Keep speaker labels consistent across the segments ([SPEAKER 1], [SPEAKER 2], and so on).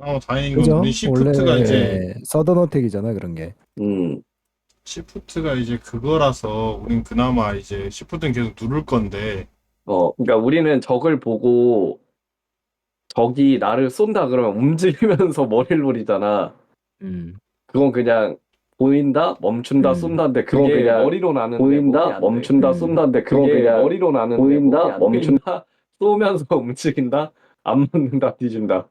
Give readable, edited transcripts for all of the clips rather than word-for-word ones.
[SPEAKER 1] 다행인 건
[SPEAKER 2] 그죠?
[SPEAKER 1] 우리 시프트가 이제
[SPEAKER 2] 원래 서든어택이잖아 그런 게.
[SPEAKER 3] 음,
[SPEAKER 1] 시프트가 이제 그거라서 우린 그나마 이제 시프트는 계속 누를 건데
[SPEAKER 3] 그러니까 우리는 적을 보고 적이 나를 쏜다 그러면 움직이면서 머리를 노리잖아.
[SPEAKER 2] 음.
[SPEAKER 3] 그건 그냥 보인다, 멈춘다, 쏜다인데
[SPEAKER 1] 그건
[SPEAKER 3] 그게
[SPEAKER 1] 그냥
[SPEAKER 3] 머리로 나는데
[SPEAKER 1] 보인다,
[SPEAKER 3] 몸이 안 돼.
[SPEAKER 1] 멈춘다,
[SPEAKER 3] 쏜다인데
[SPEAKER 1] 그건
[SPEAKER 3] 그게
[SPEAKER 1] 그냥
[SPEAKER 3] 머리로 나는데
[SPEAKER 1] 보인다,
[SPEAKER 3] 몸이 안 멈춘다, 쏘면서 움직인다, 안 맞는다, 뒤진다.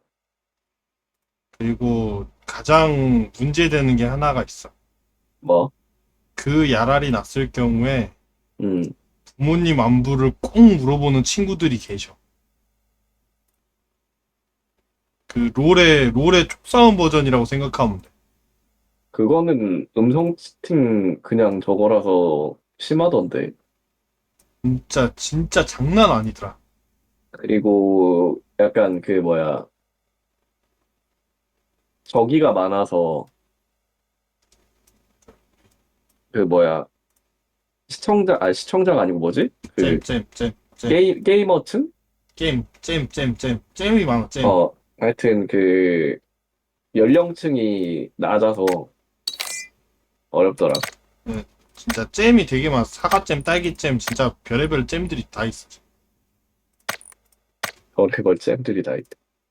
[SPEAKER 1] 그리고 가장 문제되는 게 하나가 있어.
[SPEAKER 3] 뭐?
[SPEAKER 1] 그 야랄이 났을 경우에
[SPEAKER 3] 음,
[SPEAKER 1] 부모님 안부를 꼭 물어보는 친구들이 계셔. 그 롤의 촉싸움 버전이라고 생각하면 돼.
[SPEAKER 3] 그거는 음성 채팅 그냥 저거라서 심하던데.
[SPEAKER 1] 진짜 장난 아니더라.
[SPEAKER 3] 그리고 약간 그 뭐야, 저기가 많아서 그 뭐야, 시청자가 아니고 뭐지? 그
[SPEAKER 1] 잼.
[SPEAKER 3] 게이머층?
[SPEAKER 1] 잼이 많아, 잼.
[SPEAKER 3] 하여튼 그 연령층이 낮아서 어렵더라.
[SPEAKER 1] 진짜 잼이 되게 많아. 사과잼, 딸기잼, 진짜 별의별 잼들이 다 있어.
[SPEAKER 3] 별의별 잼들이 다 있대.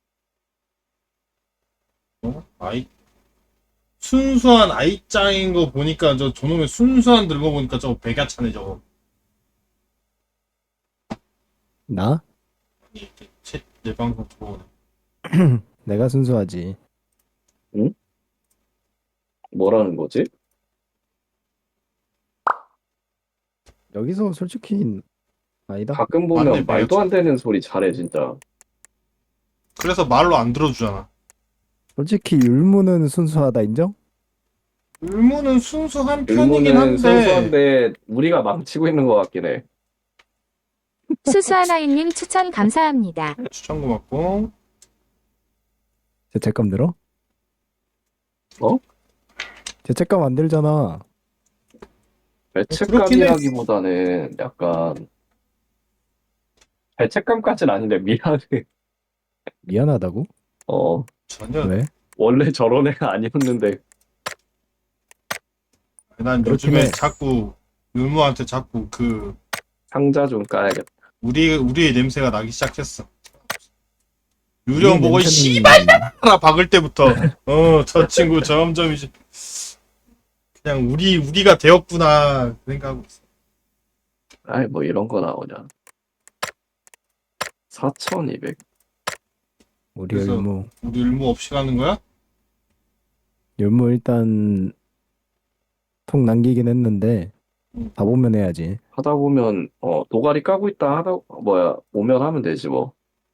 [SPEAKER 1] 아이, 순수한 아이짱인 거 보니까 저놈의 순수한 들고 보니까 저거 백야차네, 저거.
[SPEAKER 2] 나?
[SPEAKER 1] 아니, 내 방송 들어오네.
[SPEAKER 2] 내가 순수하지.
[SPEAKER 3] 뭐라는 거지?
[SPEAKER 2] 여기서 솔직히 아니다.
[SPEAKER 3] 가끔 보면
[SPEAKER 1] 맞네,
[SPEAKER 3] 말도 안 되는 소리 잘해 진짜.
[SPEAKER 1] 그래서 말로 안 들어주잖아.
[SPEAKER 2] 솔직히 율무는 순수하다 인정?
[SPEAKER 1] 율무는 순수한 편이긴
[SPEAKER 3] 일본은
[SPEAKER 1] 한데,
[SPEAKER 3] 순수한데 우리가 망치고 있는 것 같긴 해.
[SPEAKER 4] 수수하나이님 추천 감사합니다.
[SPEAKER 1] 추천 고맙고.
[SPEAKER 2] 죄책감 들어?
[SPEAKER 3] 어?
[SPEAKER 2] 죄책감 안 들잖아.
[SPEAKER 3] 죄책감이라기보다는 약간 죄책감까지는 아닌데 미안해.
[SPEAKER 2] 미안하다고?
[SPEAKER 1] 전혀.
[SPEAKER 2] 왜?
[SPEAKER 3] 원래 저런 애가 아니었는데.
[SPEAKER 1] 난
[SPEAKER 2] 그렇긴
[SPEAKER 1] 요즘에
[SPEAKER 2] 해.
[SPEAKER 1] 자꾸, 율무한테 자꾸
[SPEAKER 3] 상자 좀 까야겠다.
[SPEAKER 1] 우리의 냄새가 나기 시작했어. 유령
[SPEAKER 2] 우리
[SPEAKER 1] 보고,
[SPEAKER 2] 냄새는-
[SPEAKER 1] 씨발이라 박을 때부터, 저 친구 점점 이제, 그냥 우리가 되었구나, 생각하고 있어.
[SPEAKER 3] 아이 뭐 이런 거 나오냐. 4200.
[SPEAKER 2] 우리
[SPEAKER 1] 그래서-
[SPEAKER 2] 율무.
[SPEAKER 1] 우리 율무 없이 가는 거야?
[SPEAKER 2] 율무 일단 통 남기긴 했는데 다 보면 해야지.
[SPEAKER 3] 하다 보면 도가리 까고 있다 하다 오면 하면 되지 뭐.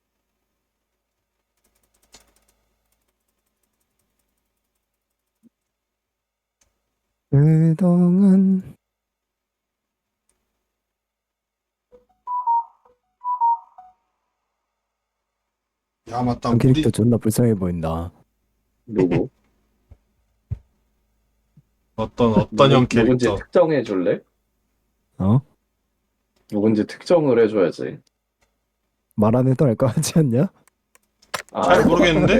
[SPEAKER 2] 그동안
[SPEAKER 1] 야, 맞다.
[SPEAKER 2] 한 캐릭터 존나 불쌍해 보인다.
[SPEAKER 3] 누구?
[SPEAKER 1] 어떤 형
[SPEAKER 3] 누군지
[SPEAKER 1] 캐릭터.
[SPEAKER 3] 특정해 줄래?
[SPEAKER 2] 어?
[SPEAKER 3] 누군지 특정을 해줘야지.
[SPEAKER 2] 말 안 해도 알 거 같지 않냐?
[SPEAKER 1] 잘 모르겠는데?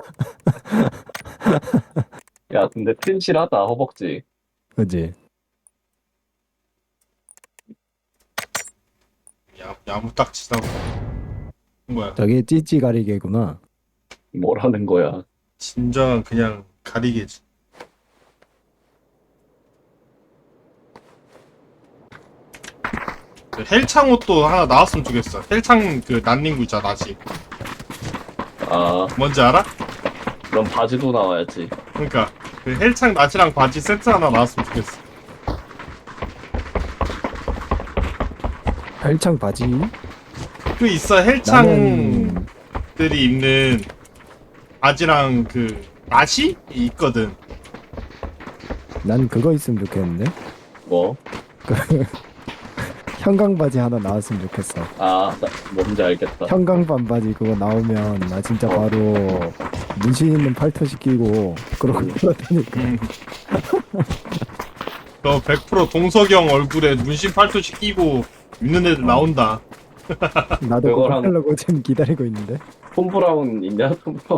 [SPEAKER 3] 야 근데 튼실하다 허벅지.
[SPEAKER 2] 그지?
[SPEAKER 1] 야무딱지다고. 뭐야.
[SPEAKER 2] 저게 찌찌 가리개구나.
[SPEAKER 3] 뭐라는 거야.
[SPEAKER 1] 진정한 그냥 가리개지. 그 헬창 옷도 하나 나왔으면 좋겠어. 헬창 그 난닝구 있잖아, 나시.
[SPEAKER 3] 아
[SPEAKER 1] 뭔지 알아?
[SPEAKER 3] 그럼 바지도 나와야지.
[SPEAKER 1] 그러니까 그 헬창 나시랑 바지 세트 하나 나왔으면 좋겠어.
[SPEAKER 2] 헬창 바지?
[SPEAKER 1] 그 있어,
[SPEAKER 2] 나는
[SPEAKER 1] 헬창들이 입는 바지랑 그 나시 있거든.
[SPEAKER 2] 난 그거 있으면 좋겠는데?
[SPEAKER 3] 뭐?
[SPEAKER 2] 형광 바지 하나 나왔으면 좋겠어.
[SPEAKER 3] 뭔지 알겠다.
[SPEAKER 2] 형광 반바지 그거 나오면 나 진짜 바로 문신 있는 팔토 시키고 그러고 돌아다니까.
[SPEAKER 1] 너 100% 동석형 얼굴에 문신 팔토시 끼고 있는 애들 나온다.
[SPEAKER 2] 나도 그거
[SPEAKER 3] 그거랑-
[SPEAKER 2] 하려고 지금 기다리고 있는데.
[SPEAKER 3] 톰 브라운 있냐? 톰 브라운.